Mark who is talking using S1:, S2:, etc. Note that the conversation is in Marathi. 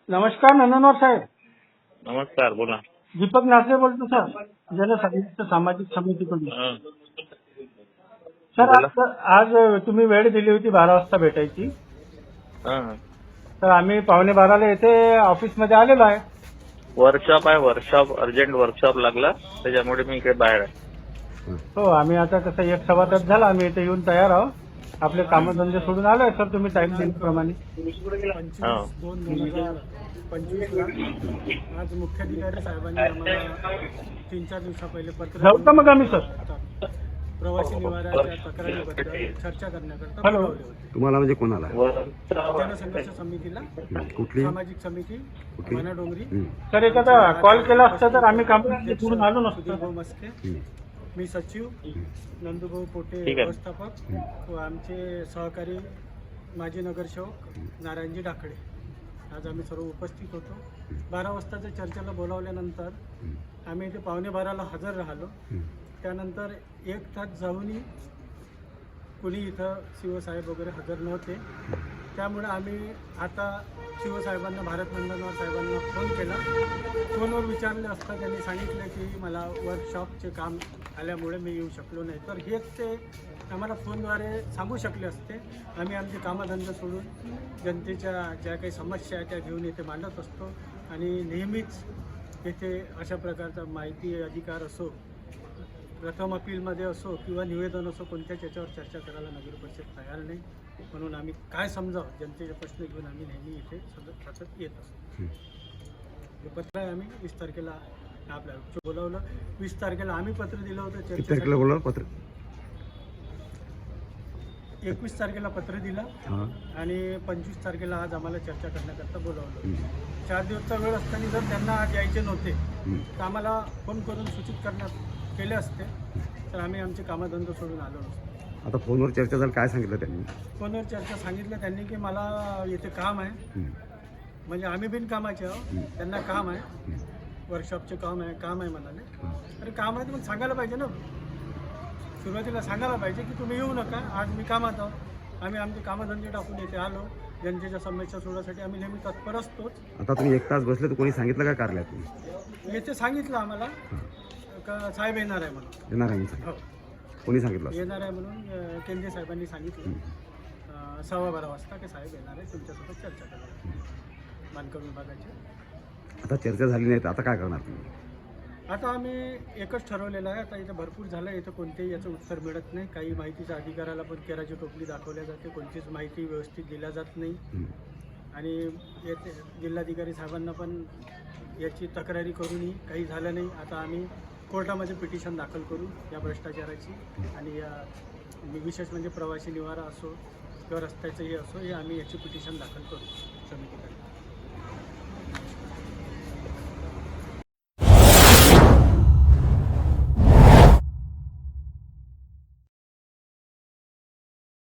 S1: नमस्कार नंदनवार साहेब.
S2: नमस्कार, बोला.
S1: दीपक नासरे बोलतो सर, जनसाहित्य सामाजिक समितीकडून. सर
S2: बोला.
S1: आज तुम्ही वेळ दिली होती 12 वाजता भेटायची.
S2: हं.
S1: तर आम्ही 11:45 येथे ऑफिसमध्ये आलेलो आहे.
S2: वर्कशॉप आहे, वर्कशॉप अर्जंट वर्कशॉप लागला, त्याच्यामुळे मी इकडे बाहेर आहे.
S1: हो, आम्ही आता कसं 1 तास झाला आम्ही इथे येऊन तयार आहोत. आपले कामधंदे सोडून आलोय सर, तुम्ही टाइम दिल्याप्रमाणे.
S3: 25/2/2025 आज मुख्याधिकारी साहेबांनी आम्हाला 3-4 दिवसापहिले पत्र
S1: जाऊ का मग आम्ही सर?
S3: प्रवासी निवाराच्या तक्रारीबद्दल चर्चा करण्याकरता
S1: हॅलो.
S3: बोलावले होते.
S4: तुम्हाला म्हणजे कोणाला?
S3: जनसंघर्ष समितीला,
S4: कुठली?
S3: सामाजिक समिती वनाडोंगरी,
S1: सर एखादा कॉल केला असता तर आम्ही कामधंदे सोडून आलो नसतो.
S3: सुधीरभाऊ मस्के, मी सचिव, नंदूभाऊ पोटे
S2: ठीक आहे.
S3: व्यवस्थापक व आमचे सहकारी माजी नगरसेवक नारायणजी डाकडे, आज आम्ही सर्व उपस्थित होतो. 12 वाजताच्या चर्चेला बोलावल्यानंतर आम्ही इथे 11:15ला हजर राहिलो. त्यानंतर 1 तास जाऊनही कुणी इथं शिवसाहेब वगैरे हजर नव्हते. त्यामुळे आम्ही आता शिवसाहेबांना, भारत नंदनवार साहेबांना फोन केला. फोनवर विचारले असता त्यांनी सांगितलं की मला वर्कशॉपचे काम आल्यामुळे मी येऊ शकलो नाही. तर हेच ते आम्हाला फोनद्वारे सांगू शकले असते. आम्ही आमचे कामधंदे सोडून जनतेच्या ज्या काही समस्या आहेत त्या घेऊन इथे मांडत असतो आणि नेहमीच येथे अशा प्रकारचा माहिती अधिकार असो, प्रथम अपीलमध्ये असो किंवा निवेदन असो, कोणत्याच याच्यावर चर्चा करायला नगर परिषद तयार नाही. म्हणून आम्ही काय समजावं, जनतेचे प्रश्न घेऊन आम्ही नेहमी इथे सतत येत असतो. हे पत्र आहे, आम्ही 20 तारखेला आपल्याला बोलावलं. 20 तारखेला आम्ही पत्र दिलं होतं
S4: किती तारखेला
S3: चर्चेसाठी.
S4: बोलवलं पत्र?
S3: 21 तारखेला पत्र दिलं
S4: हां.
S3: आणि 25 तारखेला आज आम्हाला चर्चा करण्याकरता बोलावलं. 4 दिवसचा वेळ असताना जर त्यांना आज यायचे नव्हते तर आम्हाला फोन करून सूचित केले असते तर आम्ही आमचे कामधंदे सोडून आलो नसतो.
S4: आता फोनवर चर्चा झाली, काय सांगितलं त्यांनी?
S3: फोनवर चर्चा सांगितलं त्यांनी की मला इथे काम आहे, म्हणजे आम्ही बिन कामाचे आहोत, त्यांना काम आहे, वर्कशॉपचे काम आहे म्हणाले. अरे काम आहे तर मग सांगायला पाहिजे ना, सुरुवातीला सांगायला पाहिजे की तुम्ही येऊ नका, आज मी कामात आहोत. आम्ही आमचे कामधंदे टाकून इथे आलो. जनतेच्या समस्या सोडवण्यासाठी आम्ही नेहमी तत्पर असतोच.
S4: आता तुम्ही 1 तास बसले तर कोणी सांगितलं का कार्यालयातून?
S3: येथे सांगितलं आम्हाला का साहेब येणार आहे म्हणून.
S4: येणार आहे म्हणून?
S3: हो,
S4: कोणी सांगितलं?
S3: येणार आहे म्हणून केंद्रीय साहेबांनी सांगितलं 12:15 वाजता की साहेब येणार आहे, तुमच्यासोबत चर्चा करा बांधकाम विभागाची.
S4: आता चर्चा झाली नाही तर आता काय करणार तुम्ही?
S3: आता आम्ही एकच ठरवलेलं आहे. आता इथं भरपूर झालं, इथं कोणतेही याचं उत्तर मिळत नाही. काही माहितीच्या अधिकाराला पण केराची टोपली दाखवल्या जाते, कोणतीच माहिती व्यवस्थित दिल्या जात नाही. आणि येथे जिल्हाधिकारी साहेबांना पण याची तक्रारी करूनही काही झालं नाही. आता आम्ही कोर्टामध्ये पिटिशन दाखल करू या भ्रष्टाचाराची आणि या विशेष म्हणजे प्रवासी निवारा असो किंवा रस्त्याचंही असो, हे आम्ही याची पिटिशन दाखल करू समितीकडे.